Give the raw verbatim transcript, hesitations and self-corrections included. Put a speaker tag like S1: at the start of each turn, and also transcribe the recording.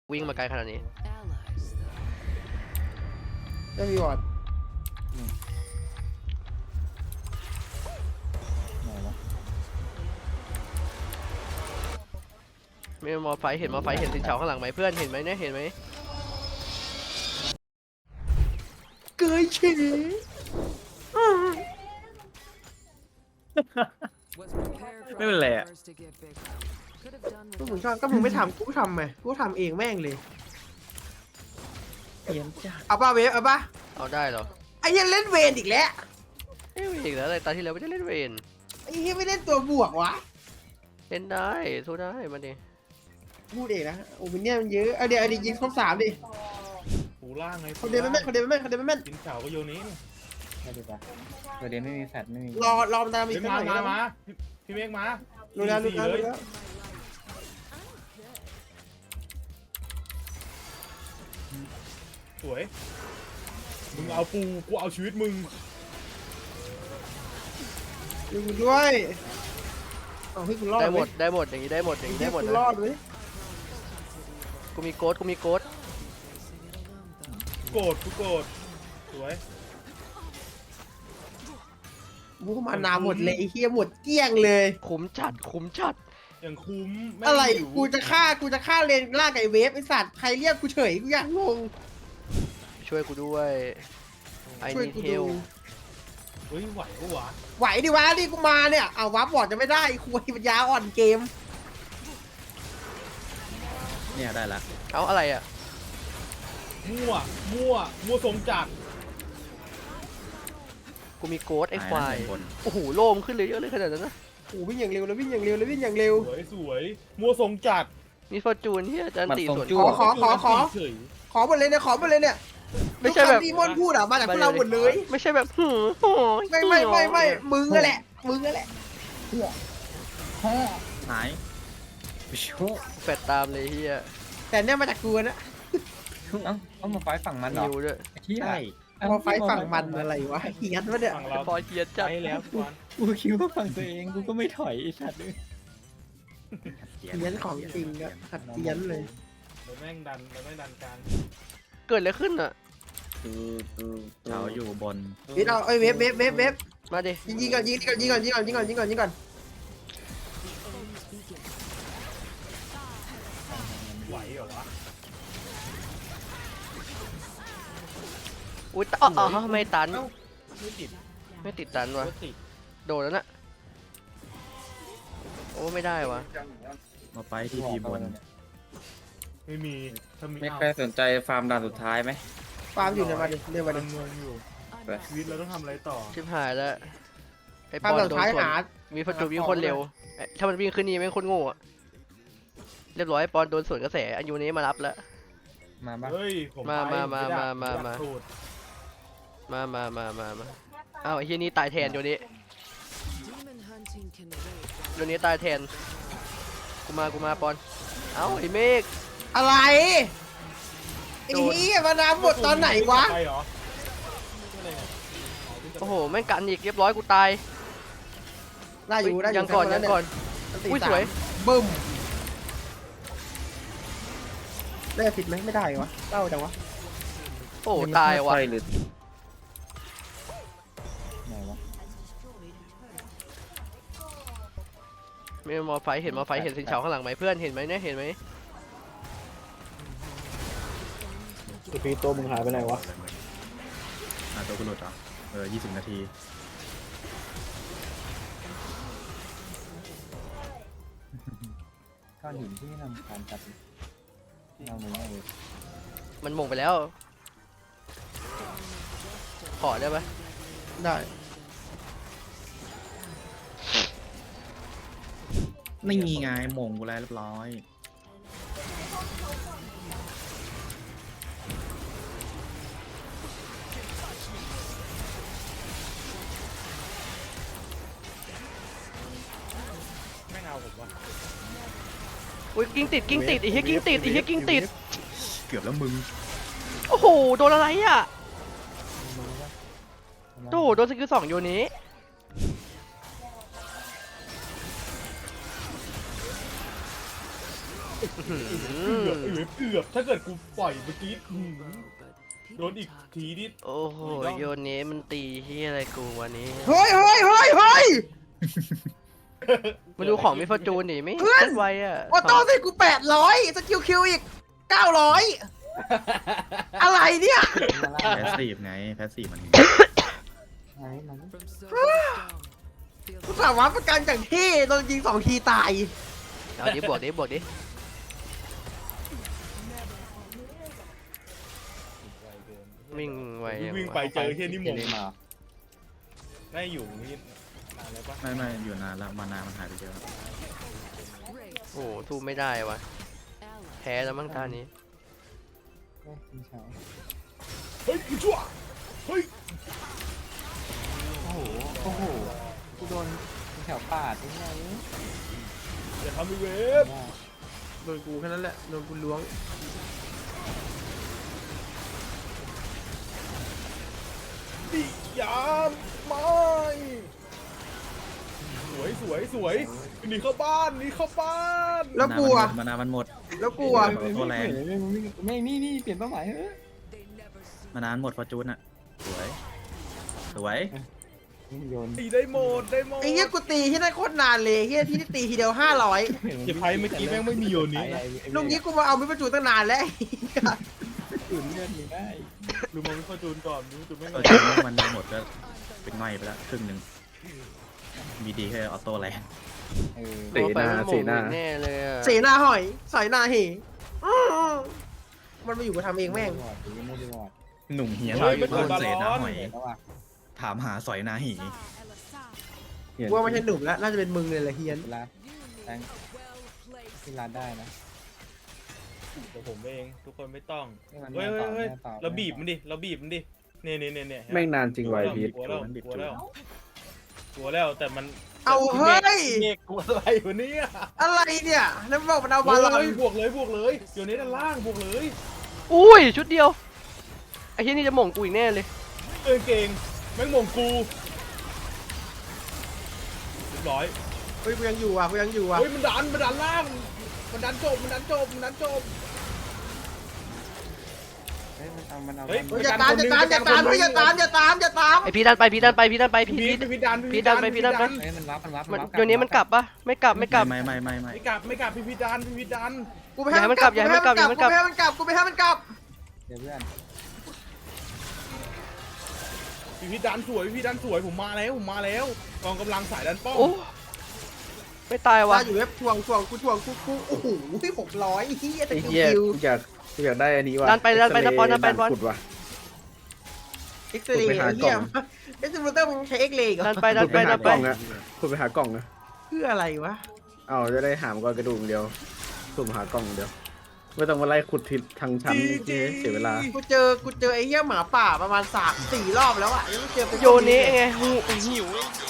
S1: วิ่งมาไกลขนาดนี้
S2: ไม่มีวอร์ด
S1: มีมอไฟเห็นมอไฟเห็นสินเฉาข้างหลังไหมเพื่อนเห็นไหมเนี่ยเห็นไหม
S2: เกยเฉย
S3: ไม่เป็นไรอ่ะ
S2: ก็มึงชอบก็มึงไม่ทำกูทำไงกูทำเองแม่งเลย
S3: เพี้ยนจ้า
S2: เอาป่ะเวฟเอาป่ะ
S1: เอาได้เหรอ
S2: ไอ้ยังเล่นเวนอีกแล้ว
S1: เอ้ยอีกแล้วอะไรตาที่แล้วไม่ได้เล่นเวน
S2: ไอ้ยังไม่เล่นตัวบวกวะ
S1: เล่นได้สู้ได้มาดิ
S2: พูดเองนะโอ้มิเนี่ยมันเยอะเอาเดี๋ยวเอาดี๋ยวยิงครบสามดิ
S4: หูล่างไง
S2: คนเดียวไม่แม่นคนเดียวไม่แม่นคนเดียวไม่แม่น
S4: กินเฉาก็โยนี้
S3: ไม่ดีป่ะประเด็นไม่มีแฟดไม่มี
S2: รอรอมันตามอีกสักห
S4: มา
S2: น่อย
S4: มามาพี่เมฆมา
S2: ดูแล้วดูแล้วดูแล้ว
S4: สวยมึงเอาปูกูเอาชีวิตมึง
S2: ดูด้วยเอาให้กูรอด
S1: ได้หมดได้หมดอย่างนี้ได้หมดอย่างนี้ได้หมด
S2: กูรอดเลย
S1: กูมีโกดกูมีโกด
S4: โกรธกูโกรธสวย
S2: กูมานาหมดเลยไอ้เหี้ยหมดเกลี้ยงเลย
S1: คุ้มจัดคุ้มจัด
S4: อย่างคุ้ม
S2: อะไรกูจะฆ่ากูจะฆ่าเลนล่าไก่เวฟไอสัตว์ใครเรียกกูเฉยกูอยากงง
S1: ช่วยกูด้วยไอ้นี่เทล
S4: เฮ้ยไหวกูวะ
S2: ไหวดิวะนี่กูมาเนี่ยเอาวับบอร์ดจะไม่ได้คุยปัญญาอ่อนเกม
S3: เนี่ยได้ละ
S1: เอาอะไรอ่ะ
S4: มั่วมั่วมั่วสมจัด
S1: กูมีโกดไอ้ควายโอ้โหโล่มขึ้นเลยเยอะเลยขนาดนั้นนะ
S2: โอ้วิ่งอย่างเร็วเลยวิ่งอย่างเร็วเลยวิ่งอย่างเร็ว
S4: สวยสวยมั่วสมจัด
S1: มีฟอร์จูนที่อาจารย์ตีส่วน
S2: ขอขอขอขอขอหมดเลยเนี่ยขอหมดเลยเนี่ย
S1: ไม่ใช่แบบ
S2: ที่มอนพูดอ่ะมาจากพวกเราหมดเลย
S1: ไม่ใช่แบบหืม
S2: ไม่ไม่ไม่ไม่มึงนั่นแหละมึงนั่นแหละ
S3: หาย
S1: แฟดตามเลยเฮีย
S2: แต่เนี่ยมาจากกูนะ
S3: เอ้าเอามาไฟฝั่งมันเหรอ
S1: นิวด้วย
S3: ใช่
S2: พอไฟฝั่งมันอะไรวะเฮียนวะเนี่ย
S1: พอเฮียนจัด
S4: แล้ว
S3: กูคิดว่าฝั่งตัวเองกูก็ไม่ถอยไอ้สัตว์เลย
S2: เฮียนของจริงอะขัดเฮียนเลย
S4: เราแม่งดันเราแม่งดันกลาง
S1: เกิดอะไรขึ้นอ่ะ
S3: คือคือเขาอยู่บน
S2: นี่เราไอ้เวฟเวฟเวฟเวฟ
S1: มาดิ
S2: ยิงยิงก่อนยิงก่อนยิงก่อนยิงก่อนยิงก่อนยิงก่อนยิงก่อน
S4: ไหวเหรอวะ
S1: อุ้ยอ๋ออ๋อไม่ตัน
S4: ไม่ติด
S1: ไม่ติดตันวะโดดแล้วน่ะโอ้ไม่ได้วะ
S3: มาไปที่ทีบน
S4: ไม่มี
S3: ไม่ใครสนใจฟาร์มด่านสุดท้ายไหม
S2: ฟาร์มอยู่ในวันเดียววันเดียว
S4: งงอยู่ชีวิตเราต้องทำอะไรต่อ
S1: ชิบหายแล้ว
S2: ไอ้ปอนโดนสวน
S1: มีฟอร์จูนวิ่งคนเร็วถ้ามันวิ่งขึ้นนี่ไม่คนโง่อะเรียบร้อยปอนโดนสวนกระแสอันยูนี้มารับแล้ว
S3: มาบ้าง
S1: มามามามามามามามามามามาอ้าวไอ้ที่นี่ตายแทนโยนี้โยนี้ตายแทนกูมากูมาปอนเอ้าไอ้เมฆ
S2: อะไรไอ้เหี้ยมาน้ำหมดตอนไหนวะ
S1: โอ้โหแม่งกันอีกเรียบร้อยกูตาย
S2: ได้อยู่ได้อยู่
S1: ยังก่อนยังก่อนอุ้ยสวย
S2: บึ้มได้ผิดไหมไม่ได้วะเต้าจังวะ
S1: โอ้ตายวะมีมอไฟเห็นมอไฟเห็นสินเฉาข้างหลังไหมเพื่อนเห็นไหมเนี่ยเห็นไหม
S4: สปีดตัวมึงหายไปไหนวะ
S3: อ่าตัวกูหลุดอ่ะเออยี่สิบนาทีก้อนหินที่นำการตัดเอาเลย
S1: มันมงไปแล้วขอได้ไหม
S2: ได้
S3: ไม่มีไงมงกูแล้วเรียบร้อย
S4: ไม่เอาผมวะ
S1: อุ้ยกิ้งติดกิ้งติดไอ้เหี้ยกิ้งติดไอ้เหี้ยกิ้งติด
S3: เกือบแล้วมึง
S1: โอ้โหโดนอะไรอ่ะโดโดนสกิลสองโยนี้อื้อหื
S4: เกือบ
S1: อ
S4: ไอ้เวฟเกือบถ้าเกิดกูปล่อยเมื่อกี้อื้อหือโดนอีกทีนี่
S1: โอ้โหโยนเนี้มันตีที่อะไรกูวันนี้
S2: เฮ้ยเฮ้ยเฮ้ยเฮ้ย
S1: มาดูของมิฟอร์จูนดิไม่
S2: เพื่อน
S1: เล่นไวอะ
S2: ออโต้สิกูแปดร้อยสกิลคิวอีกเก้าร้อยอะไรเนี่ย
S3: แพสซีฟไงแพสซีฟมัน
S2: กูสามารถประกันจากที่โดนยิงสองทีตาย
S1: เอาดิบวกดิบวกดิ วิ่งไวยัง
S4: วิ่ง
S1: วะ
S4: ไปเจอเฮียนี่หมงได้อยู่นี่นานแล้วปะ
S3: ไม่ไม่อยู่นานแล้วมานานมันหายไปเยอะ
S1: โอ้โหสู้ไม่ได้วะแพ้แล้วมั้งตานี้
S4: เฮ้ยอีชั่วเฮ้ย
S5: โอ้โห โอ้โห กูโดนแถวป่าดยังไง
S4: อย่าทำไอ้เวฟ
S2: โดนกูแค่นั้นแหละโดนกูล้วง
S4: ดิยามไม่สวยสวยสวยหนีเข้าบ้านหนีเข้าบ้าน
S2: แล้วกูอะ
S3: มานานมันหมด
S2: แล้วกูอะ
S3: ตัวแรง
S5: ไม่ นี่นี่เปลี่ยนเป้าหมายเฮ้ย
S3: มานานหมดฟอร์จูนอ่ะสวยสวย
S5: โยน
S4: ตีได้หมดได้หมด
S2: ไอ้เหี้ยกูตีที่นั่นโคตรนานเลยเหี้ยที่นี่ตีทีเดียวห้าร้อย
S4: อย่าไพ่เมื่อกี้แม่งไม่มีโยนนี้นะ
S2: ลุงนี้กูมาเอาไม่ประจุตั้งนานแล้ว
S5: ตื่นเลือดมึงได้
S4: ดูมันไม่เข้าจูนก่อนดูจูนไม่
S3: ฟอ
S4: เข้า
S3: ร์จูนมันหมดก็เป็นง่อยไปแล้วครึ่งหนึ่งมีดีแค่ออโต้แรง
S5: เออ
S1: ตัวไปมันหม่งอยู่แน่เลยอะ
S2: เสนาหอยสอยนาเหอื้อมันมาอยู่กับทำเองแม่ง
S5: ไม่ได้วอด
S3: หนุ่มเฮียน
S4: เฮ้ยเป็น
S3: โดน
S4: บา
S3: เศษ
S4: ล
S3: นะ
S4: อน
S3: หอย
S5: แล้วว่ะ
S3: ถามหาสอยนาหี
S2: กูว่าไม่ใช่หนุ่มแล้ว น่าจะเป็นมึงเลยแหละเฮียน
S5: เวลาแตงที่ร้านได้นะ
S4: เดี๋ยวผมเองทุกคนไม่ต้อง
S5: ให้มัน
S4: เฮ้ย
S5: ต่
S4: เฮ้
S5: อย
S4: เฮ้ย
S5: ต่อ
S4: เราบีบมันดิเราบีบมันดิเนี่ยเนี่ยเนี่ยเนี่ย
S6: แม่งนานจริงไวพีท
S4: กลัวแล้วกลัวแล้วกลัวแล้วแต่มัน
S2: เอาเฮ้ย
S4: เมฆกลัวอะไรวะเนี่ย
S2: อะไรเนี่ยแล้วบอกมันเอาบาลอน
S4: เฮ้ยบวกเลยบวกเลยเดี๋ยวนี้ด้านล่างบวกเลย
S1: อุ้ยชุดเดียวไอ้ที่นี่จะหม่งกูอีกแน่เลย
S4: เออเก่งแม่งมงกูเรียบร้อย
S2: เฮ้ยกูยังอยู่อ่ะกูยังอยู่อ่ะ
S4: เฮ้ยมันดันมันดันล่างมันดันจบมันดันจบมันดันจบ
S5: เฮ้ยมันเอามันเอา
S4: เฮ้ย
S2: เฮ้ยอย่าตามอย่าตามอย่าตามเฮ้ยอย่าตามอย่าตามอย่าตาม
S1: ไอพีดันไปพีดันไปพีดันไปพี
S4: พี
S1: พี
S4: ดพีดดัน
S1: พีดันไปพีดันไป
S5: เฮ้ยมันวับมันวับ
S1: มัน
S5: วับ
S1: โยนนี้มันกลับปะไม่กลับไม่กลับ
S3: ไม่ไม่ไม่ไม่
S4: ไม่กลับไม่กลับพีพีดันพีพีดัน
S2: กูไปให้มันกลับ
S1: อย่าให้มันกลับอย่าให้มันกลับ
S2: กูไปให้มันกลับกูไปให้มันกลับ
S5: เดี๋ยวเพื่อน
S4: พีพีดันสวยพีพีดันสวยผมมาแล้วผมมาแล้วกองกำลังสายดันป้อม
S1: โอ้ไม่ตาย
S2: ว่า
S1: ว่ะ
S2: อยู่เว็บทวงทวงกูทวงกูกูโอ้โหหกร้อยเฮียแต่
S6: ไอ้
S2: คิว
S6: เหี้ย
S2: คิว
S6: กูอยากกูอยากได้อันนี้ว่ะ
S1: ดันไปดันไปดันบอลดันไปบอล
S6: ขุดว่ะ
S2: เอ็กซ์เรย์เฮียเอ็กซ์เรย์มึงใช้เอ็กซ์เรย์เหร
S1: ดั
S2: อน
S1: ไปดั
S6: ขุ
S1: น
S6: ด
S1: ไป
S6: ไป
S1: ดั
S6: หาน ก
S1: ไป
S6: ล่องนะขุดไปหากล่องนะ
S2: เพื่ออะไรวะ
S6: เอาจะได้หามก้อนกระดูกเดียวสุ่มหากล่องเดียวไม่ต้องมาไล่ขุดทิศทางชั้นที่เสียเวลา
S2: กูเจอกูเจอไอ้เหี้ยหมาป่าประมาณสามสี่รอบแล้วอ่ะยังไม่เจอเป็น
S1: โยนนี้ไงหูหิว